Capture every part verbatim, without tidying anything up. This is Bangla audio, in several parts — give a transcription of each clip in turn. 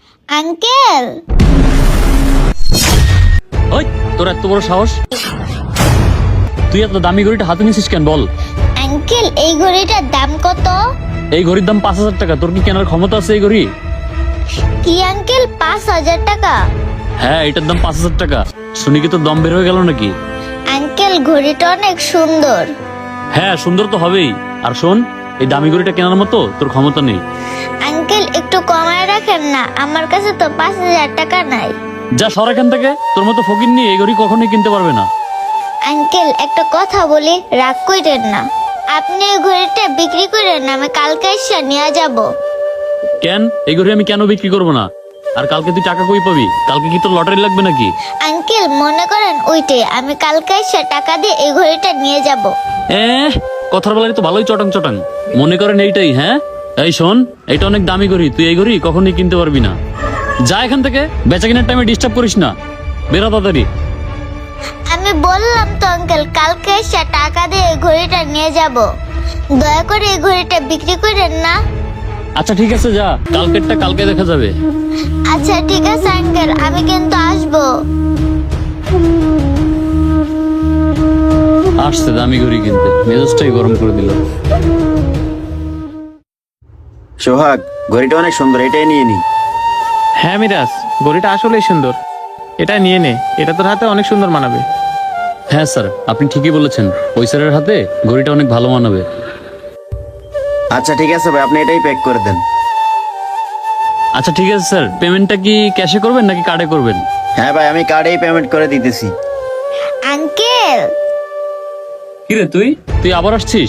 আঙ্কেল, ওই তোর এত বড় সাহস, তুই এত দামি ঘড়িটা হাতে নিছিস কেন বল? আঙ্কেল এই ঘড়িটার দাম কত? এই ঘড়ির দাম পাঁচ হাজার টাকা। তোর কি কেনার ক্ষমতা আছে এই ঘড়ি? কি আঙ্কেল, পাঁচ হাজার টাকা? হ্যাঁ, এটার দাম পাঁচ হাজার টাকা। শুনি কি তোর দম বের হয়ে গেল নাকি? আঙ্কেল ঘড়িটা অনেক সুন্দর। হ্যাঁ, সুন্দর তো হবেই। আর শোন, এই দামি ঘড়িটা কেনার মতো তোর ক্ষমতা নেই। আঙ্কেল একটু কমায় রাখেন না, আমার কাছে তো পাঁচ হাজার টাকা নাই। যা সর এখান থেকে, তোর মতো ফকির নিয়ে এই ঘড়ি কখনোই কিনতে পারবে না। আঙ্কেল একটা কথা বলি, রাগ কইরেন না। আপনি এই ঘড়িটা বিক্রি করেন না, আমি কালকে এসে নিয়ে যাব। কেন? এই ঘড়ি আমি কেন বিক্রি করবো না? আর কালকে তুই টাকা কই পাবি? কালকে কি তোর লটারি লাগবে নাকি? আঙ্কেল মনে করেন ওইটাই, আমি কালকে এসে টাকা দিয়ে এই ঘড়িটা নিয়ে যাব। এ কথার বেলায় তো ভালোই চটাং চটাং। মনে করেন এইটাই? হ্যাঁ, এই শোন, এটা অনেক দামি ঘড়ি, তুই এই ঘড়ি কখনোই কিনতে পারবি না। যা এখান থেকে, বেচা কেনার টাইমে ডিস্টার্ব করিস না। বেরো তাড়াতাড়ি। আমি বললাম তো আঙ্কেল, কালকে এসে টাকা দিয়ে এই ঘড়িটা নিয়ে যাব। দয়া করে এই ঘড়িটা বিক্রি করেন না। আচ্ছা ঠিক আছে, যা, কালকেরটা কালকে দেখা যাবে। আচ্ছা ঠিক আছে আঙ্কেল, আমি কিন্তু আসবো। আসছে দামি ঘড়ি কিনতে, মেজাজটাই গরম করে দিল। সোহাগ, ঘড়িটা অনেক সুন্দর, এটাই নিয়ে নি। হ্যাঁ মিরাজ, ঘড়িটা আসলেই সুন্দর, এটা নিয়ে নে, এটা তোর হাতে অনেক সুন্দর মানাবে। হ্যাঁ স্যার, আপনি ঠিকই বলেছেন, ওই স্যারের হাতে ঘড়িটা অনেক ভালো মানাবে। আচ্ছা ঠিক আছে ভাই, আপনি এটাই প্যাক করে দেন। আচ্ছা ঠিক আছে স্যার, পেমেন্টটা কি ক্যাশে করবেন নাকি কার্ডে করবেন? হ্যাঁ ভাই, আমি কার্ডেই পেমেন্ট করে দিতেছি। আঙ্কেল, কিরে তুই তুই আবার আসছিস?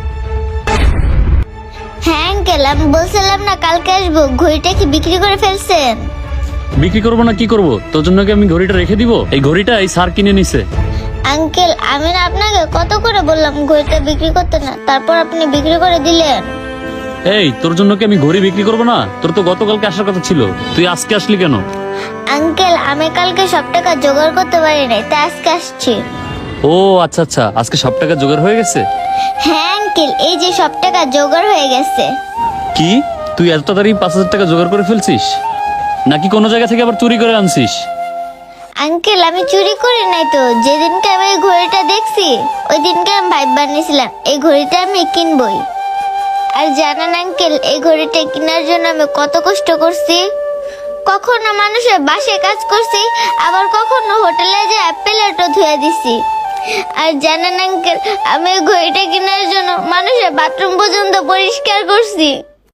হ্যাঁ আঙ্কেল, আমি বলছিলাম না কালকে আসবো, ঘড়িটা কি বিক্রি করে ফেলছেন? বিক্রি করবো না কি করবো? তোর জন্য কি আমি ঘড়িটা রেখে দিব? এই ঘড়িটা এই স্যার কিনে নিছে। আঙ্কেল আমি না আপনাকে কত করে বললাম ঘড়িটা বিক্রি করতে না, তারপর আপনি বিক্রি করে দিলেন। এই, তোর জন্য কি আমি ঘড়ি বিক্রি করবো না? তোর তো গতকালকে আসার কথা ছিল, তুই আজকে আসলি কেন? আঙ্কেল আমি কালকে সব টাকা জোগাড় করতে পারি নাই, তাই আজকে আসছি। ও আচ্ছা আচ্ছা, আজকে সব টাকা জোগাড় হয়ে গেছে? হ্যাঁ আঙ্কেল, এই যে সব টাকা জোগাড় হয়ে গেছে। কি, তুই এত তাড়াতাড়ি পাঁচ হাজার টাকা জোগাড় করে ফেলছিস? নাকি কোনো জায়গা থেকে আবার চুরি করে আনছিস? আঙ্কেল আমি চুরি করি নাই তো, যেদিনকে আমি এই ঘড়িটা দেখছি ওই দিনকে আমি ভাইব বানিয়েছিলাম এই ঘড়িটা আমি কিনবই। আর জানেন আঙ্কেল, এই ঘড়িটা কেনার জন্য আমি কত কষ্ট করছি। কখনো মানুষের বাসায় কাজ করছি, আবার কখনো হোটেলে যে প্লেটও ধুয়ে দিছি। আর জানেন আঙ্কেল, আমি এই ঘড়িটা কেনার জন্য মানুষের বাথরুম পর্যন্ত পরিষ্কার করছি।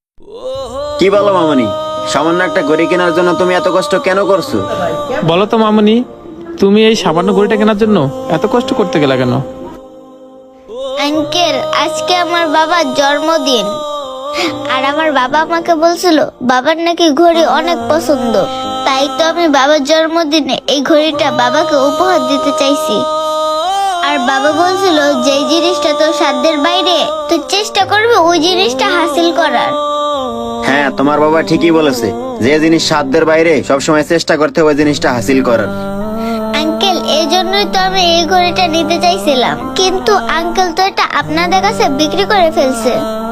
কি বলো মামনি, সামান্য একটা ঘড়ি কেনার জন্য তুমি এত কষ্ট কেন করছো? বলো তো মামনি, তুমি এই সামান্য ঘড়িটা কেনার জন্য এত কষ্ট করতে গেলে কেন? আঙ্কেল আজকে আমার বাবার জন্মদিন, আর আমার বাবা আমাকে বলছিল বাবার নাকি ঘড়ি অনেক পছন্দ, তাই তো আমি বাবার জন্মদিনে এই ঘড়িটা বাবাকে উপহার দিতে চাইছি। আর বাবা বলছিল যে জিনিসটা তোর সাধ্যের বাইরে, তুই চেষ্টা করবি ওই জিনিসটা হাসিল করার। হ্যাঁ, তোমার বাবা ঠিকই বলেছে, যে জিনিস সাধ্যের বাইরে সবসময় চেষ্টা করতে হবে ওই জিনিসটা হাসিল করার। আঙ্কেল এই জন্যই তো আমি এই ঘড়িটা নিতে চাইছিলাম, কিন্তু আঙ্কেল তো এটা আপনাদের কাছে বিক্রি করে ফেলছে।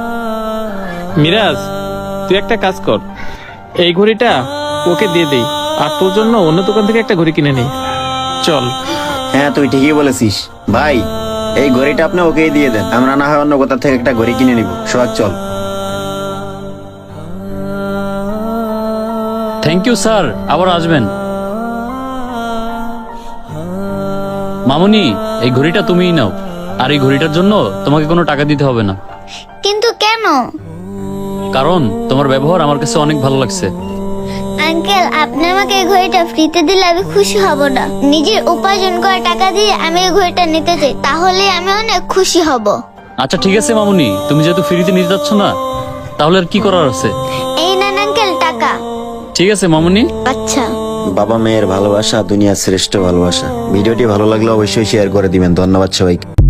মিরাজ, তুই একটা কাজ কর, এই ঘড়িটা ওকে দিয়ে দেই, আর তোর জন্য অন্য দোকান থেকে একটা ঘড়ি কিনে নেই, চল। হ্যাঁ তুই ঠিকই বলেছিস ভাই, এই ঘড়িটা আপনি ওকেই দিয়ে দেন, আমরা না হয় অন্য কোথা থেকে একটা ঘড়ি কিনে নিব। সোহাগ চল। থ্যাংক ইউ স্যার, আবার আসবেন। মামুনি, এই ঘড়িটা তুমিই নাও, আর এই ঘড়িটার জন্য তোমাকে কোনো টাকা দিতে হবে না। কিন্তু কেন? কারণ তোমার ব্যবহার আমার কাছে অনেক ভালো লাগছে। আঙ্কেল আপনি আমাকে এই ঘড়িটা ফ্রিতে দিলে আমি খুশি হব না, নিজের উপার্জন করা টাকা দিয়ে আমি এই ঘড়িটা নিতে চাই, তাহলে আমি অনেক খুশি হব। আচ্ছা ঠিক আছে মামুনি, তুমি যেহেতু ফ্রিতে নিতে যাচ্ছ না, তাহলে আর কি করার আছে? এই নেন আঙ্কেল টাকা। ঠিক আছে মামুনি। আচ্ছা। বাবা মেয়ের ভালোবাসা দুনিয়ার শ্রেষ্ঠ ভালোবাসা। ভিডিওটি ভালো লাগলে অবশ্যই শেয়ার করে দিবেন। ধন্যবাদ সবাইকে।